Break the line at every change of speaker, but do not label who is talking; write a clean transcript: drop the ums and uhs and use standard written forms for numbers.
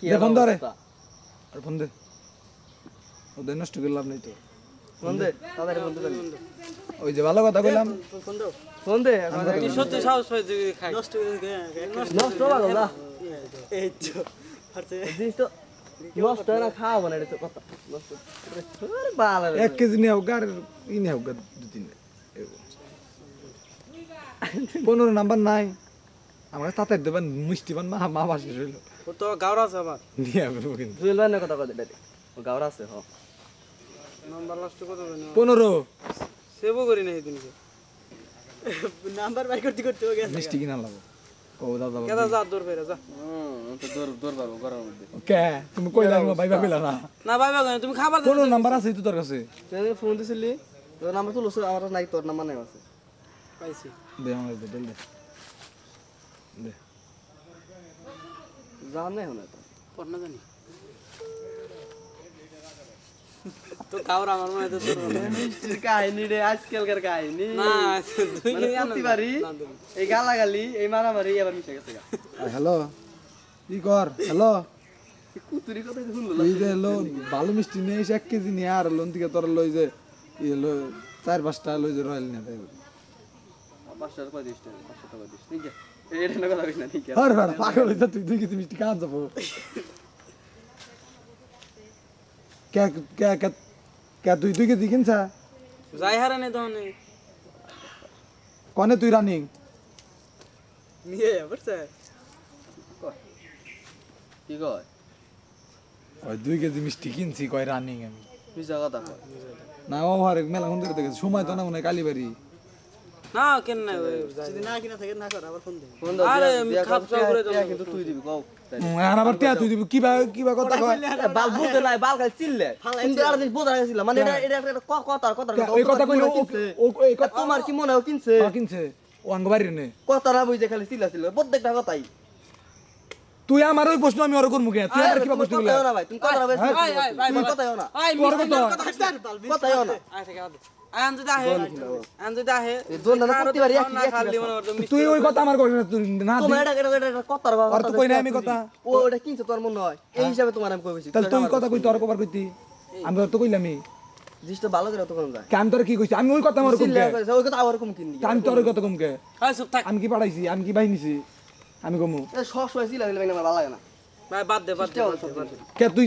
দে phone ধরে আর phone দে ওদের নষ্ট করে লাভ নেই তো
ফোন দে তাড়াতাড়ি ফোন দে
ওই যে ভালো কথা কইলাম
ফোন দে
কি সত্যি সাহস পাই তুই খাই
নষ্ট লাগো না
এই তো পারছে
জিনিস তো নষ্ট হয় না খাওয়াবো না এটা তো কথা নষ্ট আরে বাল
1 কেজি নিয়ে হোক আর ই নিয়ে হোক 2-3 15 নাম্বার নাই আমার তাতে দেবেন মিষ্টি বান মা বাসে রইল
ও তো গাওরা আছে আবার
নিয়ে আসবো কিন্তু
জুয়েল ভাই না কথা কয় ডাইরেক্ট ও গাওরা আছে হ
নাম্বার লাস্ট কত জানি
15
সেভও করি না সেদিনকে নাম্বার বাই করতে করতে হয়ে গেছে
মিষ্টি কিনা লাগবো ও দাদা
কেদা যা দূর ফেরে যা
তো দৌড় পারবো গরমের মধ্যে
কে তুমি কইলা ভাইবা কইলা না
না ভাই ভাই তুমি খাবার
কোন নাম্বার আছে তো তোর কাছে
তুই ফোন দিছিলি তোর নাম্বার তো লসে আমার নাই তোর নাম্বার নাই আছে
পাইছি
দে আমার দে দে দে
জান নাই হলো তো
পড় না জানি তো গাওরা আমার মনে তো তোর
মিষ্টির কাহিনী রে আজকালকার কাহিনী
না তুই
মানে
কি জানো
প্রতিবারই এই গালাগালি এই মারামারি আবার মিশে গেছে গা
হ্যালো কি কর হ্যালো
কুতুরি কথা শুনলো
এই যে লো ভালো মিষ্টি নিয়ে এসে 1 কেজি নিয়ে আর লোন থেকে তোর লই যে লো 4-5টা লই যে রয়্যাল নিয়ে তাই
500 টাকা দিস 500 টাকা দিস ঠিক আছে এটা না কথা কইস না ঠিক আছে
আর ভাই পাগল হইছ তুই 2 কেজি মিষ্টি খাওয়া যাবো কে কে কে কে তুই 2 কেজি কিনছা
যাই হারানে দহনে
কোনে তুই রানিং
নিয়ে বলছে
কি কয়
ওই 2 কেজি মিষ্টি কিনছি কয় রানিং আমি
মিশা কথা কয়
না ও আর মেলা কোন দিকে দেখেছি সময় তো না মনে হয় কালীবাড়ি
না কেন না
যদি না কিনা থাকে না কর আবার ফোন দে ফোন
আরে খাপ চাও করে দাও
কিন্তু তুই দিবি কও
আর আবার টিয়া তুই দিবি কিবা কথা কয়
বাল বুঝতে নাই বাল খালি চিল্লে কিন্তু আর দিন বোঝা গেছিল মানে এটা একটা কথা
এই কথা কইলো ও এই কথা
তোমার কি মনে হয় কিনছে
কিনছে ও আঙ্গবাড়ি নে
কথা না বুঝে খালি চিল্লা ছিল প্রত্যেকটা কথাই
তুই আমার ওই প্রশ্ন আমি ওর করব কে তুই আর কিবা প্রশ্ন
কথা
করলা
না ভাই তুমি কথা না ভাই তুমি কথা না
আই
তোর
মিষ্টি
কথা
কথা না
আই থেকে আনতে দাহে আনতে দাহে
এই জোন না প্রতিবারই একই
না খালি মনে করতো
তুই ওই কথা আমার কইছ না তুই না
তোমার এটা কথা
আর তো কই না আমি কথা
ও এটা কিনছে তোর মনে হয় এই হিসাবে তোমার আমি কইছি
তাহলে তুই কথা কই তোর কবার কইতি আমি তো কইলামই
জিনিসটা ভালো করে তখন যায়
কাম তোর কি কইছি আমি ওই কথা আমার কম
চিল্লা
কে
কইছে ওই কথা আবার কম কিননি
কাম তোর ওই কথা কম কে
আই চুপ থাক
আমি কি পাঠাইছি আমি কি বাহিনীছি আমি কমু
সব সময় চিল্লা দিলে আমার ভালো লাগে না
ভাই বাদ দে
চেষ্টা করো সব
কে তুই